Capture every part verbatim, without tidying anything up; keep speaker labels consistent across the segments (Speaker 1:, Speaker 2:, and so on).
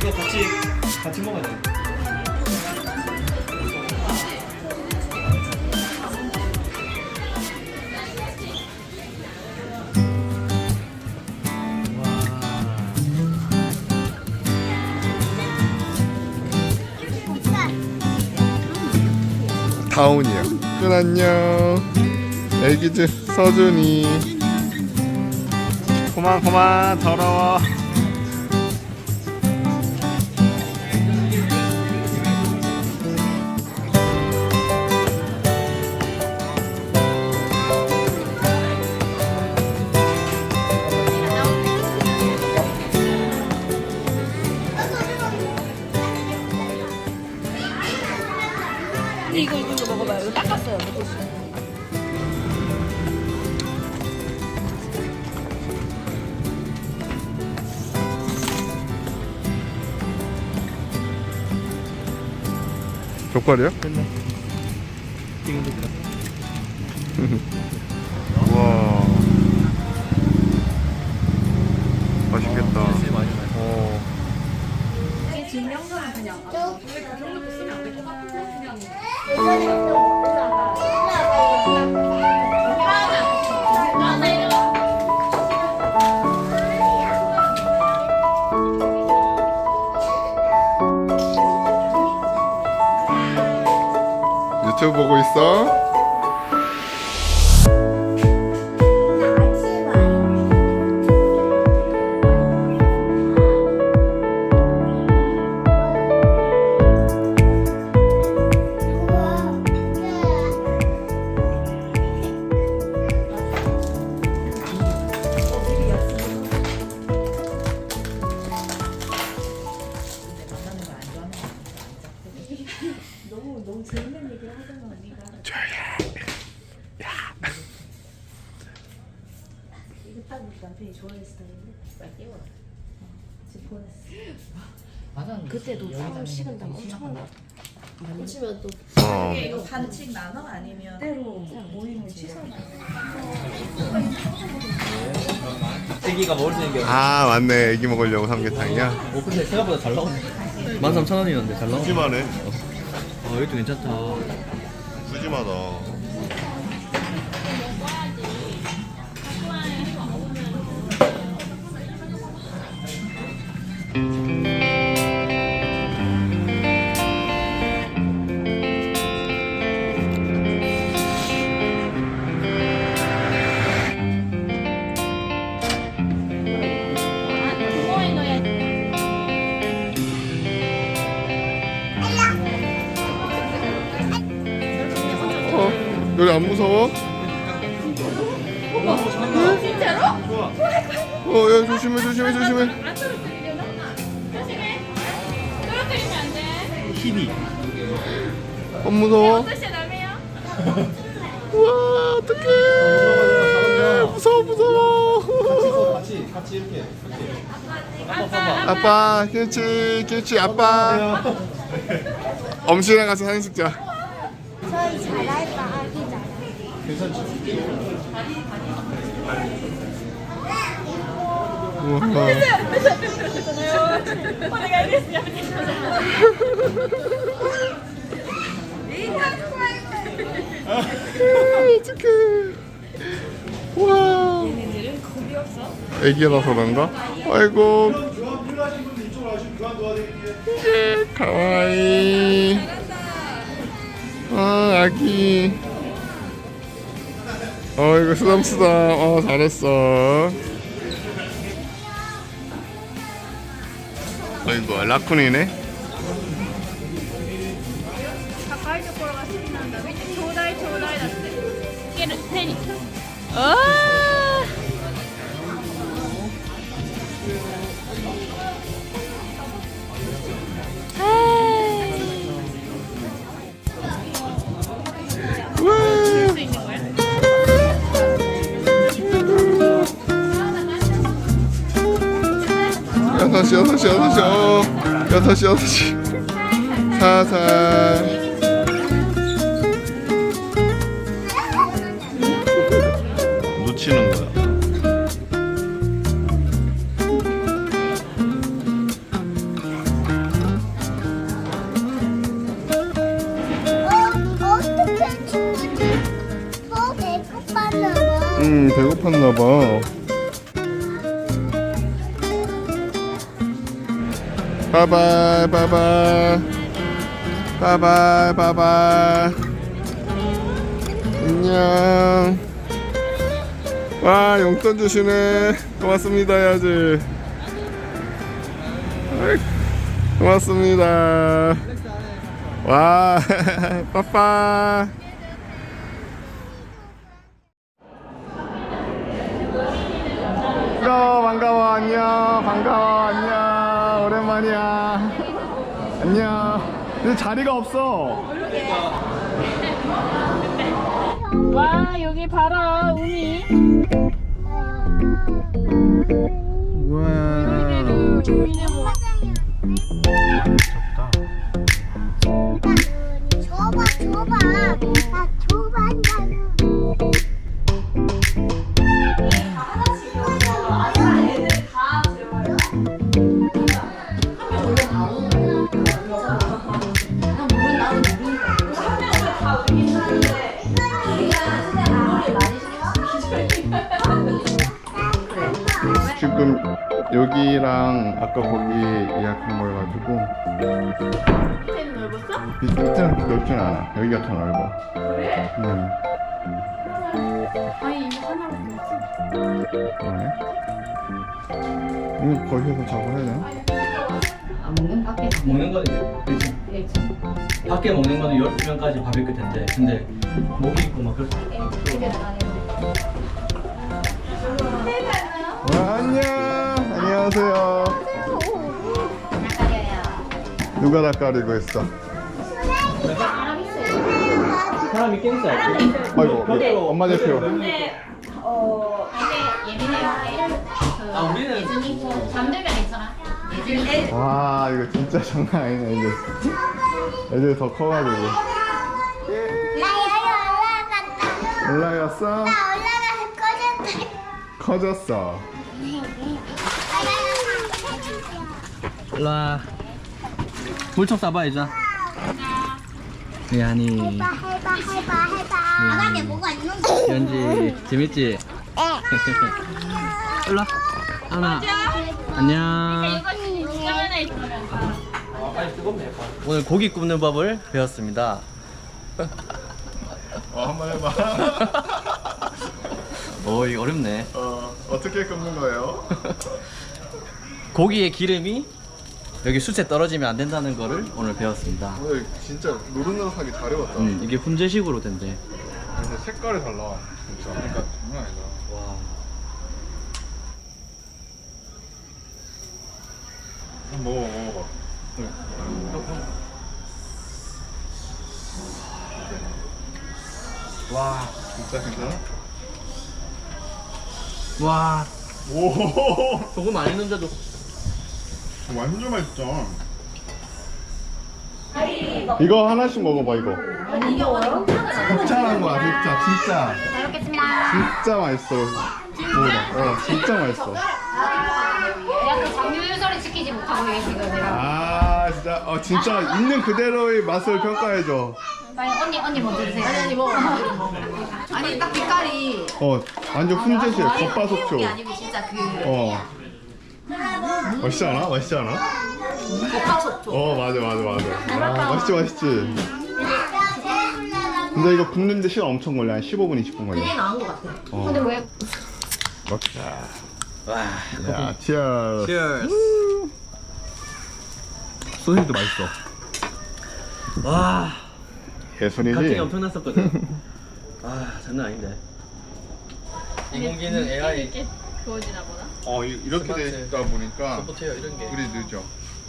Speaker 1: 이거 같이 같이 먹어야 돼.
Speaker 2: 다운이요. 준 안녕. 애기들 서준이.
Speaker 1: 그만 그만 더러워.
Speaker 3: 이거 이거 이거 먹어봐요. 이거 닦았어요.
Speaker 2: 족발이요?
Speaker 1: 됐네. 지금도 그래.
Speaker 2: 우와. 맛있겠다.
Speaker 1: 진짜 많이 나요.
Speaker 2: 어.
Speaker 3: 이게 증명서는 그냥 아, 왜 그런 것도 쓰면 안 될 것 같은데 그냥
Speaker 2: 유튜브 보고 있어?
Speaker 3: 너무 너무 재밌는 얘기를 하잖아 언니가. 이거 딱 남편이 좋아하는 스타일인데 빨리 띄워. 지금 보냈어. 그때도 땀 식은땀 엄청 나.
Speaker 4: 붙이면 또
Speaker 2: 어.
Speaker 3: 이거 반칙 나눠 아니면 때로 모임을 취소나.
Speaker 1: 애기가 먹을 수 있는 게.
Speaker 2: 아 맞네. 애기 먹으려고 삼계탕이야.
Speaker 1: 오 근데 생각보다 잘 나오네. 만 삼천 원이었는데 잘 나오네.
Speaker 2: 푸짐하네.
Speaker 1: 어 이것도 괜찮다.
Speaker 2: 푸짐하다. 어, 여기 안 무서워?
Speaker 3: 진짜로?
Speaker 2: 어, 야 조심해, 조심해, 조심해.
Speaker 3: 안 떨어뜨리려나? 조심해. 떨어뜨리면 안 돼.
Speaker 1: 힙이.
Speaker 2: 안 무서워?
Speaker 3: 어떠시 남해요?
Speaker 2: 우와, 어떡해. 무서워, 무서워.
Speaker 1: 같이 같이 이렇게.
Speaker 2: 아빠, 김치, 김치, 아빠. 엄씨랑 가서 사진 찍자.
Speaker 4: 저희 잘할 바 아기 잘.
Speaker 2: 우와.
Speaker 3: 어디가 알겠어요?
Speaker 2: 어떡해. 우와.
Speaker 3: 얘네들은 겁이 없어.
Speaker 2: 애기라서 그런가? 아이고. 가와이. 아, 아기. 어이구, 쓰담쓰담. 어, 잘했어. 어이구, 라쿤이네.
Speaker 3: 가까이 좀 보러 갔으면 한다. 밑에 조다이 조다이 났대. 걔는 페니. 아.
Speaker 2: 우와.
Speaker 3: 수 있는 거야?
Speaker 2: 여섯 시, 여섯 시, 여섯 시, 어, 여섯 시, 여섯 시. 살살. 놓치는 거야. 싶었나봐. 바이바이 바이바이 바이바이 바이바이. 안녕. 와 용돈 주시네. 고맙습니다 해야지. 어이, 고맙습니다. 와 빠빠. 반가워 반가워 안녕 반가워 안녕 오랜만이야. 안녕. 근데 자리가 없어.
Speaker 3: 와 여기 봐라 우미.
Speaker 2: 우와.
Speaker 4: 줘봐 줘봐 나 줘봐
Speaker 2: 지금 여기랑 아까 거기 예약한 거여가지고
Speaker 3: 밑에는 넓었어?
Speaker 2: 밑에는 넓진 않아. 여기가 더 넓어. 그래? 응.
Speaker 3: 아니 이거 하나밖에 없어.
Speaker 2: 그러네. 이거 거기서 작업해야 되나?
Speaker 1: 아, 먹는 거는 그렇지. 밖에 먹는 거는 열두 명까지 바베큐 텐데 근데 목이 있고 막 그럴
Speaker 2: 와, 안녕. 안녕하세요. 누가 낯가리고 있어?
Speaker 1: 사람이 꽤 있어요.
Speaker 2: 아이고, 이거 엄마 대표.
Speaker 5: 어, 이제 예민해요.
Speaker 1: 아 우리는
Speaker 5: 예준이 잠들면 괜찮아. 예준이
Speaker 2: 와, 이거 진짜 장난 아니네, 이제. 애들 더 커가지고.
Speaker 4: 나 여기 올라갔다
Speaker 2: 올라갔어?
Speaker 4: 나 올라가서 꺼졌다
Speaker 2: 커졌어.
Speaker 1: 일로와 물총 쏴봐 이제. 미안이
Speaker 4: 해봐 해봐 해봐 해봐 바닥에 뭐가 있는데
Speaker 1: 연지 재밌지?
Speaker 4: 에
Speaker 1: 일로와 하나 안녕. 오늘 고기 굽는 법을 배웠습니다.
Speaker 2: 어, 한번 해봐.
Speaker 1: 오 이거 어렵네.
Speaker 2: 어, 어떻게 굽는 거예요?
Speaker 1: 고기의 기름이 여기 숯에 떨어지면 안 된다는 거를 오늘 배웠습니다.
Speaker 2: 오늘 진짜 노릇노릇하게 잘 해봤다.
Speaker 1: 음, 이게 훈제식으로 된대.
Speaker 2: 근데 색깔이 달라. 진짜. 그러니까 장난 아니다.
Speaker 1: 와.
Speaker 2: 한번 먹어, 먹어봐.
Speaker 1: 와.
Speaker 2: 진짜 괜찮아?
Speaker 1: 와.
Speaker 2: 오,
Speaker 1: 조금 많이 넣는데도
Speaker 2: 완전 맛있다. 이거 하나씩 먹어봐, 이거.
Speaker 5: 아니 이게 어려운
Speaker 2: 극찬한 거야, 진짜, 진짜.
Speaker 5: 잘 먹겠습니다.
Speaker 2: 진짜 맛있어. 먹어봐. 어, 진짜 맛있어.
Speaker 5: 약간 장유유서를 지키지 못하고 이게 지금 내가.
Speaker 2: 아, 진짜, 어, 진짜 있는 그대로의 맛을 평가해줘.
Speaker 5: 빨리 언니 언니 먼저 드세요. 아니 아니 먹어. 아니 딱 빛깔이
Speaker 2: 어, 완전 훈제식, 겉바속촉.
Speaker 5: 게 아니고 진짜 그
Speaker 2: 어. 맛있지 않아? 맛있지 않아?
Speaker 5: 겉바속촉.
Speaker 2: 어, 맞아, 맞아, 맞아. 아, 맛있지, 맛있지. 근데 이거 굽는데 시간 엄청 걸려. 한 십오 분, 이십 분 걸려.
Speaker 5: 이게 나은 것 같아.
Speaker 2: 어.
Speaker 5: 근데 왜?
Speaker 2: 먹자.
Speaker 1: 와.
Speaker 2: 야, 치얼.
Speaker 1: Cheers.
Speaker 2: 소시지도 맛있어.
Speaker 1: 와.
Speaker 2: 예술이지?
Speaker 1: 갈증이 엄청났었거든. 아 장난 아닌데. 인공지능 에이아이
Speaker 3: 그거지나 보다.
Speaker 2: 어, 이- 이렇게 되다 보니까
Speaker 1: 서포트해요 이런 게.
Speaker 2: 불이 늦어.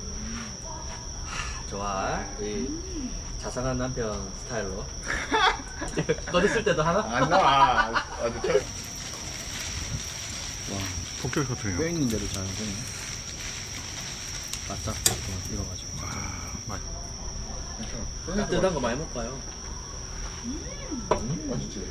Speaker 1: 좋아. 이 자상한 남편 스타일로. 꺼냈을 때도 하나?
Speaker 2: 안 나와. 아주 철. 와, 폭격 터트려.
Speaker 1: 뼈 있는 대로 잘 되네. 바짝 익어가지고.
Speaker 2: 맛.
Speaker 1: 뜨뜻한 거 많이 먹어요.
Speaker 2: 맛있지?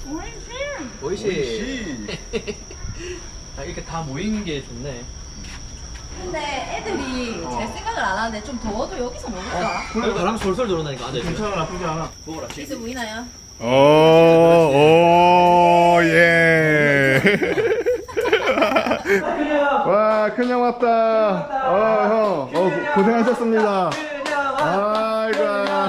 Speaker 1: 오이시. 아, 이렇게 다 모이는 게 좋네.
Speaker 5: 근데 애들이 제 생각을 안 하는데 좀 더워도 여기서 먹을까?
Speaker 1: 그래 바람 솔솔 들어오니까 앉아있어.
Speaker 2: 괜찮아, 나쁘지 않아.
Speaker 1: 먹어라.
Speaker 5: 여기서 보이나요?
Speaker 2: 오, 오, 예. 와, 큰형 왔다. 어, 형. 어, 고- 고생하셨습니다. 아이고.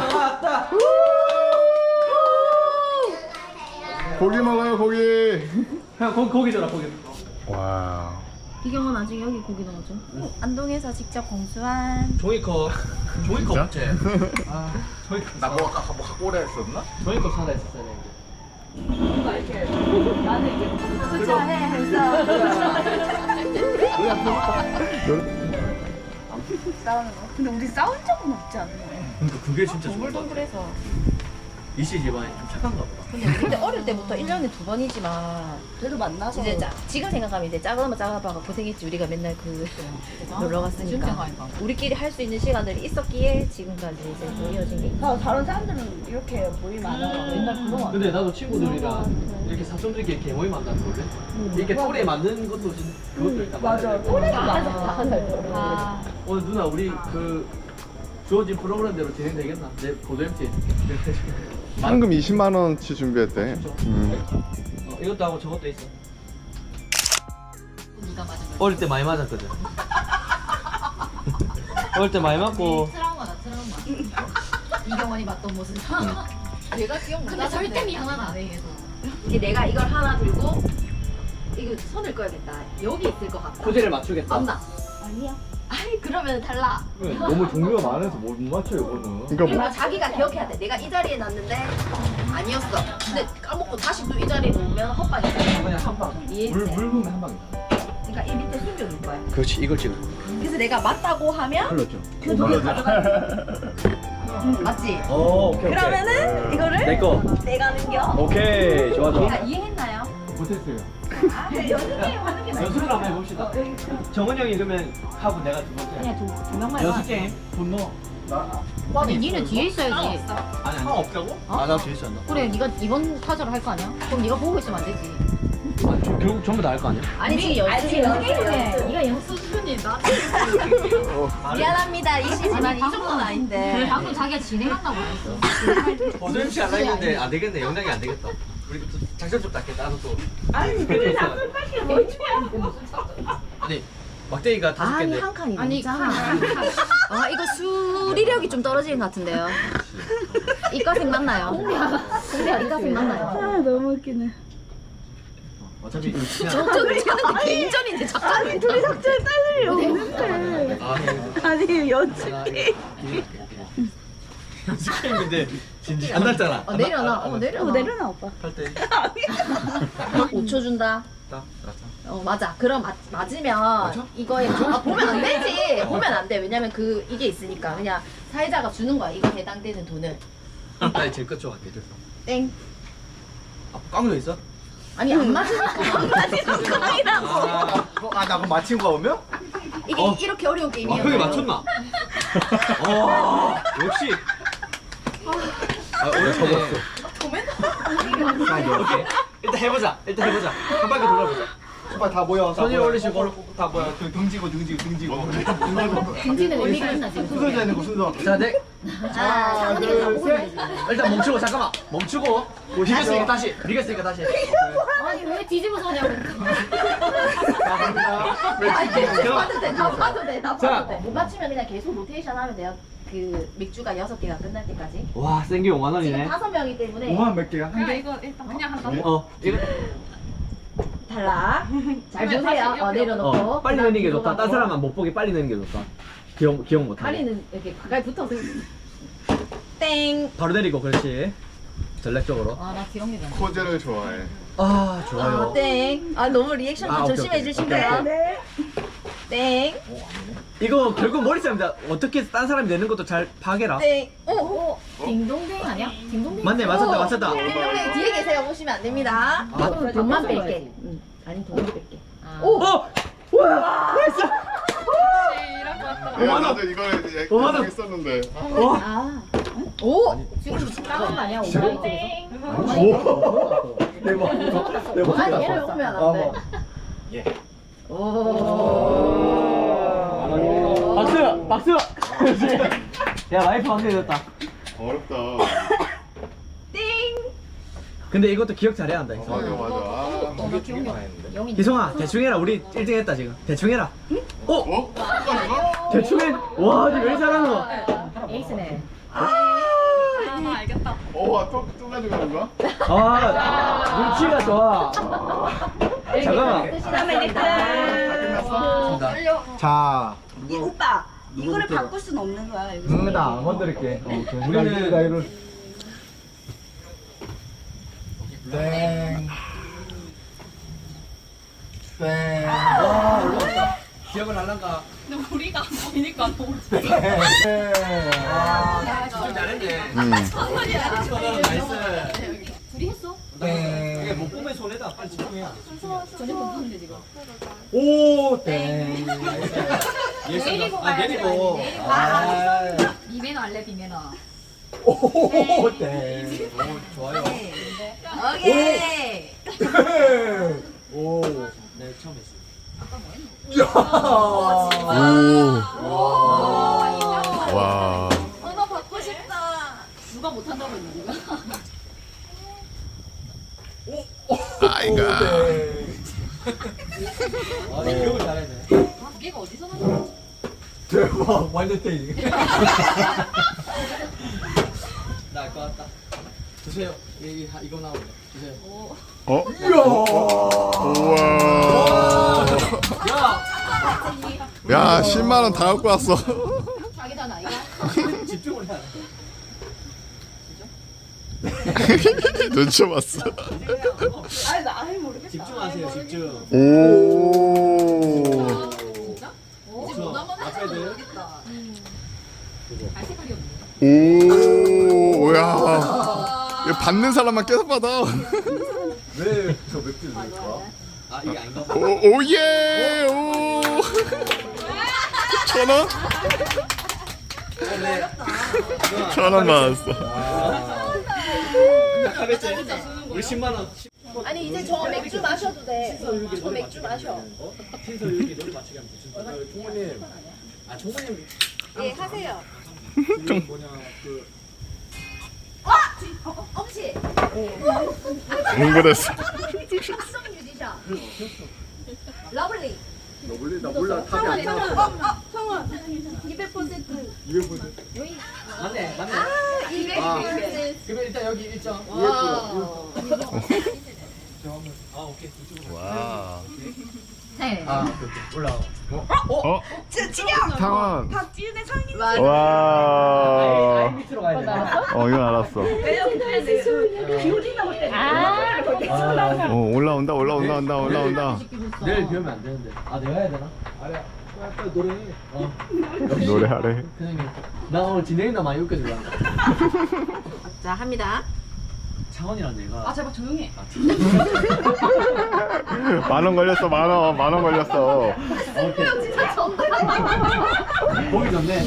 Speaker 2: 고기 먹어요, 고기.
Speaker 1: 형 고기 고기 줘라 고기.
Speaker 2: 와.
Speaker 3: 이경은 나중에 여기 고기 넣어줘.
Speaker 5: 안동에서 직접 공수한
Speaker 1: 종이컵 종이컵
Speaker 2: 진짜?
Speaker 1: 없지? 아 종이컵
Speaker 2: 나뭐 아까 뭐 갖고 오라 했었나?
Speaker 1: 종이컵 사다 했었어야 되는데.
Speaker 5: 부자해 해서 싸우는 거. 근데 우리 싸운 적은 없지 않나요?
Speaker 1: 그러니까 그게 진짜 좋은 거 같아.
Speaker 5: 동글동글해서.
Speaker 1: 이씨 집안이 좀 착한가 보다.
Speaker 5: 근데 근데 어릴 때부터 일 년에 두 번이지만
Speaker 3: 그래도 만나서
Speaker 5: 이제 짜, 지금 생각하면 이제 작은 작은 아빠가 고생했지. 우리가 맨날 그 놀러 갔으니까 우리끼리 할 수 있는 시간들이 있었기에 지금까지 이제 또 이어진 게 있어.
Speaker 3: 다른 사람들은 이렇게 모임 안 하고 맨날 그거
Speaker 1: 근데 나도 친구들이랑 이렇게 사촌들끼리 개모임 만나는 거거든. 이렇게 또래 만드는 것도 진 그것도 일단 맞아.
Speaker 3: 또래가 많아.
Speaker 5: 아,
Speaker 1: 오늘 누나 우리 그 주어진 프로그램대로 진행되겠나? 내 고도 엠티.
Speaker 2: 상금 이십만 원치 준비했대. 음.
Speaker 1: 어, 이것도 하고 저것도 있어. 어릴 때 많이 맞았거든. 어릴 때 많이 맞고.
Speaker 5: 트라우마다 트라우마. 이경원이 맞던 모습. 내가 기억 못 나는데. 절대 미안하다 안 해. 얘도. 이게 내가 이걸 하나 들고 이거 손을 꺼야겠다. 여기 있을 것 같다.
Speaker 1: 소재를 맞추겠다.
Speaker 5: 맞나? 아니야. 아이 그러면 달라.
Speaker 1: 너무 종류가 많아서 못 맞춰요 이거는.
Speaker 2: 그러니까
Speaker 5: 그리고
Speaker 2: 뭐,
Speaker 5: 자기가 기억해야 돼. 내가 이 자리에 놨는데 아니었어. 근데 까먹고 다시 또 이 자리에 놓으면 헛방이야.
Speaker 1: 그냥 한 방.
Speaker 5: 이해했지?
Speaker 1: 물, 물 부으면 한 방이다.
Speaker 5: 그러니까 이 밑에 숨겨둘 거야.
Speaker 1: 그렇지 이걸 찍어.
Speaker 5: 그래서 내가 맞다고 하면
Speaker 1: 흘렀죠.
Speaker 5: 그 돈을 가져가. 맞지?
Speaker 1: 오 오케이
Speaker 5: 그러면은 이거를
Speaker 1: 내 거.
Speaker 5: 내가 넘겨.
Speaker 1: 오케이 좋아 좋아.
Speaker 5: 아, 이해했나요?
Speaker 1: 못했어요.
Speaker 5: 아, 연습해 하는 게
Speaker 1: 연습을 한번 해봅시다. 정은 형이 그러면 하고 내가 두 번째.
Speaker 5: 그냥 두, 두 명만
Speaker 1: 연습 게임. 분노.
Speaker 6: 아니 니는 뒤에 있어야지.
Speaker 1: 아니 아니. 없다고? 아나 뒤에 있었나?
Speaker 6: 그래 네가 이번 타자를 할 거 아니야? 그럼 네가 보고 있으면 안 되지.
Speaker 1: 아, 저- 결국 전부 다 할 거 아니야?
Speaker 5: 아니 지금 연습 연습
Speaker 6: 네가 연습 수준이 나.
Speaker 5: 미안합니다 이시지만 이 정도는 아닌데
Speaker 6: 방금 자기가 진행한다고 했어.
Speaker 1: 보조 엠씨 안 했는데 안 되겠네. 영상이 안 되겠다. 우리 또 작전 좀 닦겠다. 나도 또. 아니 그래 작전 닦기 뭐 아니 막대기가 다섯
Speaker 5: 아니
Speaker 1: 개인데.
Speaker 5: 한 칸이
Speaker 6: 아니
Speaker 5: 넘잖아.
Speaker 6: 아 이거 수리력이 좀 떨어지는 것 같은데요. 이과생 맞나요? 공대야 이과생 맞나요?
Speaker 3: 아 너무 웃기네.
Speaker 1: 어차피 이거 그냥.
Speaker 6: 저는 저는 개인전인데 작전.
Speaker 3: 둘이 작전 딸들이 없는데.
Speaker 1: 아,
Speaker 3: 아니 연습.
Speaker 1: 연습 게임인데 진지 안 났잖아.
Speaker 6: 어 내려놔. 어 내려놔.
Speaker 3: 어 내려놔 오빠.
Speaker 1: 할 때.
Speaker 6: 오 초 준다.
Speaker 1: 딱 맞아.
Speaker 6: 어 맞아. 그럼 맞, 맞으면
Speaker 1: 맞아?
Speaker 6: 이거에 아, 보면 안 되지. 보면 안 돼. 왜냐면 그 이게 있으니까 그냥 사회자가 주는 거야. 이거 해당되는 돈을.
Speaker 1: 나 제일 끝쪽 할게. 됐어.
Speaker 6: 땡.
Speaker 1: 아, 깡도 있어?
Speaker 6: 아니 안 맞으니까 안 맞으니까 깡이라고.
Speaker 1: 아,
Speaker 2: 아, 나 그럼 맞힌 거 오면?
Speaker 6: 이게
Speaker 1: 어.
Speaker 6: 이렇게 어려운
Speaker 1: 아,
Speaker 6: 게임이야.
Speaker 1: 형이 맞췄나? 어, 역시. 아, 오늘 접었어. 오케이. 일단 해보자. 일단 해보자. 한 바퀴 돌아보자.
Speaker 2: 빨리 다 모여.
Speaker 1: 손 위로 올리시고 다 모여.
Speaker 2: 등지고 등지고 등지고.
Speaker 6: 등지는 의미가 있나 지금?
Speaker 2: 순서 되는 거 순서.
Speaker 1: 자, 네.
Speaker 6: 아, 사모님이 다 보고 있네 지금.
Speaker 1: 일단 멈추고 잠깐만. 멈추고. 뭐 이겼으니까 다시. 이겼으니까 다시.
Speaker 6: 아니 왜 뒤집어 서냐고.
Speaker 5: 아니 다 봐도 돼다 봐도 돼다
Speaker 1: 자.
Speaker 5: 봐도 돼못 맞추면 그냥 계속 로테이션 하면 돼요. 그 맥주가 여섯 개가 끝날 때까지.
Speaker 1: 와, 생기 오만
Speaker 5: 지금
Speaker 1: 원이네.
Speaker 5: 다섯 명이기 때문에
Speaker 2: 몇 개야? 한 개?
Speaker 3: 이거 일단 그냥 한다.
Speaker 1: 어, 이거
Speaker 5: 달라. 잘 보세요. 어, 내려놓고.
Speaker 1: 어, 빨리 넣는 게 좋다. 딴 사람은 못 보게 빨리 넣는 게 좋다. 기억 기억 못 하게.
Speaker 5: 다리는 이렇게 가까이 붙어서. 땡.
Speaker 1: 바로 내리고 그렇지. 전략적으로.
Speaker 6: 아나 기억이 안 나.
Speaker 2: 코제를 좋아해.
Speaker 1: 아, 좋아요.
Speaker 5: 아, 땡. 아 너무 리액션
Speaker 1: 아,
Speaker 5: 좀
Speaker 1: 오케이,
Speaker 5: 조심해
Speaker 1: 오케이.
Speaker 5: 주시고요. 네. 땡.
Speaker 1: 이거 결국 머리 싸움이다. 어떻게 딴 사람이 내는 것도 잘 파악해라.
Speaker 5: 땡. 오, 오.
Speaker 6: 딩동댕 아니야? 딩동댕.
Speaker 1: 맞네, 맞았다, 맞았다.
Speaker 5: 딩동댕 뒤에 계세요. 보시면 안 됩니다.
Speaker 1: 아,
Speaker 5: 돈만 뺄게. 응. 아니 돈을 뺄게.
Speaker 6: 아.
Speaker 1: 오! 와! 나이스!
Speaker 2: 야, 나도 이거
Speaker 1: 오, 맞아.
Speaker 2: 했었는데.
Speaker 1: 와!
Speaker 5: 아.
Speaker 6: 오! 지금 까는 거 아니야? 오바이 쪽에서?
Speaker 1: 오! 대박. 대박.
Speaker 5: 아니 얘를 오면 안 돼.
Speaker 1: 예.
Speaker 5: 오.
Speaker 1: 박수! 박수! 그렇지. 야, 라이프 완전히 됐다.
Speaker 2: 어렵다.
Speaker 5: 띵.
Speaker 1: 근데 이것도 기억 잘해야 한다,
Speaker 2: 맞아
Speaker 1: 이거.
Speaker 2: 맞아. 아,
Speaker 6: 나 기억이 안 나.
Speaker 1: 희성아 대충 해라. 우리 일 등 했다 지금. 대충 해라. 어? 어? 대충 해. 와, 니 왜 잘하노?
Speaker 5: 에이스네.
Speaker 2: 어, 또, 또 가져가는 거야?
Speaker 1: 아, 눈치가 좋아. 잠깐만.
Speaker 2: 끝났어?
Speaker 1: 자,
Speaker 3: 이 오빠 이거를 바꿀 수는 없는 거야. 여기서.
Speaker 1: 응, 나안 건드릴게.
Speaker 2: 우리는 나이를 땡. 땡.
Speaker 1: 와, 올라왔다. 기억을 할란가?
Speaker 5: 우리가 보이니까 너무
Speaker 2: 땡.
Speaker 1: 아, 좀 잘했네.
Speaker 2: 음.
Speaker 1: 나이스.
Speaker 5: 둘이 했어?
Speaker 1: 이게 못 보면 손해다. 빨리 집중해야.
Speaker 5: 전에 보는데 지금.
Speaker 1: 오, 땡.
Speaker 5: 내리고
Speaker 1: 아,
Speaker 5: 가야 돼.
Speaker 1: 내리고.
Speaker 5: 내리고.
Speaker 1: 아,
Speaker 5: 비매너 할래 비매너.
Speaker 1: 오, 땡. 오, 좋아요.
Speaker 3: 오케이.
Speaker 1: 오, 네, 처음 했어.
Speaker 2: 오.
Speaker 1: 와.
Speaker 2: 와.
Speaker 5: 언어 받고 싶다. 누가 못한다고 했는데 누가?
Speaker 2: 아이가.
Speaker 1: 아, 네, 기억을 잘했네.
Speaker 5: 얘가 어디서 나왔어?
Speaker 1: 대박, 완전 땡. 나알 것 같다. 주세요. 여기 하- 이거 나오네. 주세요.
Speaker 2: 어?
Speaker 1: 이야.
Speaker 2: 우와.
Speaker 1: 야,
Speaker 2: 야, 십만 원 다 갖고 왔어.
Speaker 5: 자기다 나이가?
Speaker 1: 집중을 해야 돼.
Speaker 2: 눈치 봤어.
Speaker 3: 아니 나 아예 모르겠다.
Speaker 1: 집중하세요, 집중.
Speaker 2: 오.
Speaker 5: 진짜? 오,
Speaker 1: 저,
Speaker 5: 못 한번
Speaker 1: 앞에도.
Speaker 5: 모르겠다. 알 색깔이 없네.
Speaker 2: 오. 야. 이거 받는 사람만 계속 받아.
Speaker 1: 왜 저 맥주 넣을까? 아, 이게 아닌가 봐.
Speaker 2: 오, 오예. 오. 천 원?
Speaker 1: 네.
Speaker 2: 천 원 받았어.
Speaker 1: 가볍지? 우리 십만 원.
Speaker 5: 아니 이제 저 맥주 마셔도 돼. 저 맥주 마셔.
Speaker 1: 신서 여기 노래 맞추게 하면 돼. 총무님. 아, 총무님.
Speaker 5: 예 하세요.
Speaker 1: 그 뭐냐, 그.
Speaker 5: 어, 엄지.
Speaker 2: 응급했어.
Speaker 5: 합성 뮤지션. 러블리.
Speaker 1: 너블리 나 몰라. 답이 안 나와.
Speaker 3: 어, 성원 이백 퍼센트.
Speaker 1: 이백 퍼센트. 맞네, 맞네.
Speaker 5: 이백
Speaker 1: 아.
Speaker 5: 퍼센트.
Speaker 1: 그러면 일단 여기 일정.
Speaker 5: 와.
Speaker 1: 아, 오케이. 이쪽으로.
Speaker 2: 와.
Speaker 5: 네.
Speaker 1: 아, 오케이, 오케이. 올라와.
Speaker 2: 어?
Speaker 3: 진영.
Speaker 2: 상원.
Speaker 3: 박지윤의 상인.
Speaker 1: 아예
Speaker 2: 와.
Speaker 1: 밑으로 가야 돼.
Speaker 2: 어, 이건 알았어.
Speaker 3: 기울이나 볼 때.
Speaker 1: 아,
Speaker 2: 어, 올라온다, 올라온다, 온다, 올라온다.
Speaker 1: 내일 비우면 안 되는데. 아, 내가 해야 되나? 아니야. 빨리 노래해. 어.
Speaker 2: 노래하래.
Speaker 1: 그냥 나 오늘 진행이나 많이 웃겨주려.
Speaker 3: 자 합니다.
Speaker 1: 창원이랑 내가.
Speaker 5: 아 제발 조용히 해.
Speaker 2: 만 원 걸렸어, 만 원, 만 원 걸렸어.
Speaker 1: 오케이.
Speaker 5: 진짜 정답.
Speaker 1: 보기 좋네.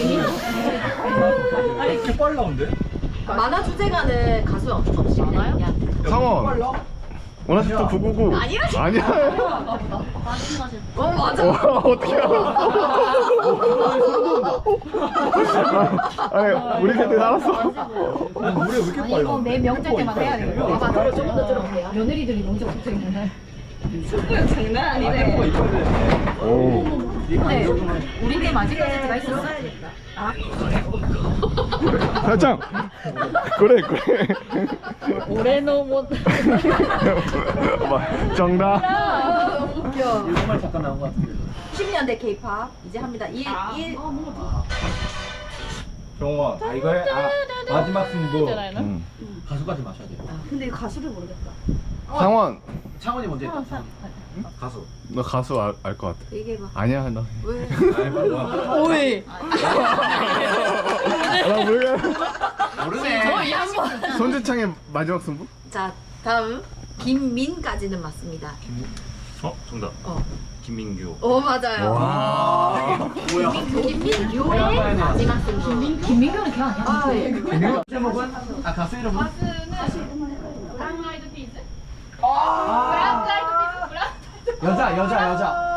Speaker 1: 이렇게 빨리 나온대?
Speaker 3: 만화 주제가는 가수 없이 많아요?
Speaker 2: 상원. 원하시던 구구구.
Speaker 3: 아니야.
Speaker 2: 아니야.
Speaker 3: 어 맞아.
Speaker 2: 와, 어떻게 알았어? 아니, 우리 세대 알았어.
Speaker 1: 아니, 노래 왜 이렇게
Speaker 5: 아니
Speaker 1: 빨리
Speaker 5: 이거 매 명절 때마다 해야 되겠다.
Speaker 3: 봐봐 들어 조금 더 들어볼게요.
Speaker 5: 며느리들이 먼저 붙어 있는 날.
Speaker 3: 장난
Speaker 1: 아,
Speaker 3: 아니네.
Speaker 1: 템포가 이뻐야 돼.
Speaker 2: 오.
Speaker 5: 근데 우리 때 마지막 세트가 있었어.
Speaker 2: 살짝. 그래, 그래.
Speaker 5: 올해는 못.
Speaker 2: 정답.
Speaker 5: 웃겨.
Speaker 1: 이거 정말 잠깐 나온 것 같은데.
Speaker 3: 십 년대 K-팝 이제 합니다. 일 일.
Speaker 2: 정원.
Speaker 1: 아, 이거 해? 아, 마지막 승부.
Speaker 2: 응.
Speaker 1: 가수까지 마셔야 돼.
Speaker 3: 근데 가수를 모르겠다.
Speaker 2: 상원.
Speaker 1: 창원이 먼저 했다. 창원이. 가수.
Speaker 2: 너 가수 알 것 같아.
Speaker 3: 얘기해봐.
Speaker 2: 아니야, 너.
Speaker 3: 왜?
Speaker 5: 오이.
Speaker 2: 나 모르겠.
Speaker 1: 모르네.
Speaker 2: 손재창의 마지막 승부?
Speaker 3: 자 다음 김민까지는 맞습니다.
Speaker 2: 어, 정답.
Speaker 3: 어.
Speaker 2: 김민규.
Speaker 3: 어 맞아요.
Speaker 2: 와.
Speaker 1: 뭐야?
Speaker 3: 김민규의 마지막 승부.
Speaker 5: 김민 김민규는 걔 아니야?
Speaker 3: 아 예.
Speaker 1: 김민규 제목은? 아, 가수 이름은?
Speaker 5: 브라운 아이드 피스.
Speaker 1: 아,
Speaker 5: 브라운.
Speaker 1: 여자, 여자, 여자.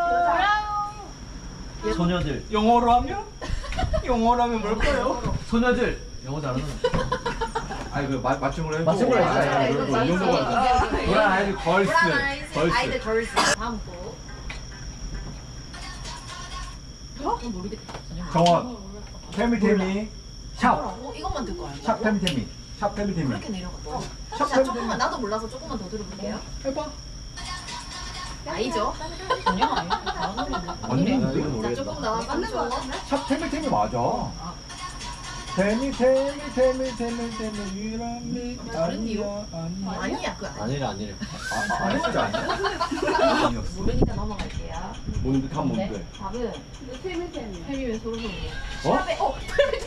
Speaker 1: 소녀들. 영어로 하면? 영어로 하면 뭘까요? 소녀들. 영어 잘하는.
Speaker 7: 아니 그 맞 맞춤으로 해줘.
Speaker 1: 맞춤으로 해줘.
Speaker 7: 아,
Speaker 1: 이거
Speaker 7: 이거 이 정도
Speaker 1: 맞춤.
Speaker 7: 맞아. 브라운 아이즈 걸스.
Speaker 5: 아이들
Speaker 7: 걸스.
Speaker 5: 걸스. 다음 곡. 어? 모르겠다.
Speaker 7: 정원. 태미 태미. 샵.
Speaker 5: 어, 이것만 듣고 알죠?
Speaker 7: 샵 태미 태미. 샵 태미 태미.
Speaker 5: 그렇게 내려갔다.
Speaker 7: 샵
Speaker 5: 자,
Speaker 7: 태미
Speaker 5: 조금만
Speaker 7: 태미.
Speaker 5: 나도 몰라서 조금만 더 들어볼게요.
Speaker 7: 해봐.
Speaker 5: 아니죠? 전혀 아니에요.
Speaker 7: 아니 이거
Speaker 5: 자,
Speaker 7: 모르겠다.
Speaker 5: 조금 더 맞는 거.
Speaker 7: 샵 태미 태미 맞아. 태미 태미 태미 태미 태미 유람미
Speaker 5: 다른데요?
Speaker 7: 아니야 아니야.
Speaker 5: 아니야, 그 아니야.
Speaker 1: 아니래 아니래.
Speaker 7: 아, 아, 아 진짜 아니야? 아니었어.
Speaker 5: 모르니까 넘어갈게요.
Speaker 7: 뭔데 답 뭔데?
Speaker 5: 답은 태미 태미. 태미 왜 소름 돋는
Speaker 7: 어?
Speaker 5: 샵에 어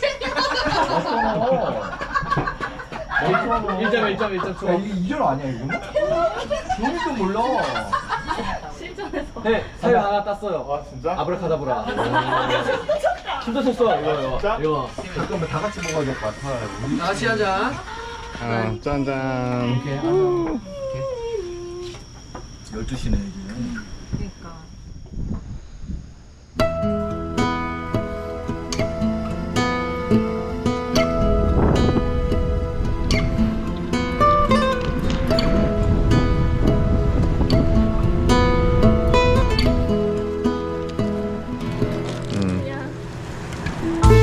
Speaker 7: 맞잖아.
Speaker 1: 일 점 일 점 일 점
Speaker 7: 야
Speaker 1: 초.
Speaker 7: 이게 이 점 아니야 이거는? 종이도 몰라.
Speaker 1: 네, 사유 하나 땄어요.
Speaker 2: 아 진짜?
Speaker 1: 아브라카다브라. 춤도 췄어 이거 이거.
Speaker 2: 진짜?
Speaker 1: 이거.
Speaker 7: 잠깐만 다 같이 먹어야 될 것 같아. 우리
Speaker 1: 다 같이 하자.
Speaker 2: 아 짠짠.
Speaker 1: 이렇게 하자.
Speaker 7: 열두 시네 이제.
Speaker 5: 그러니까.
Speaker 2: 음.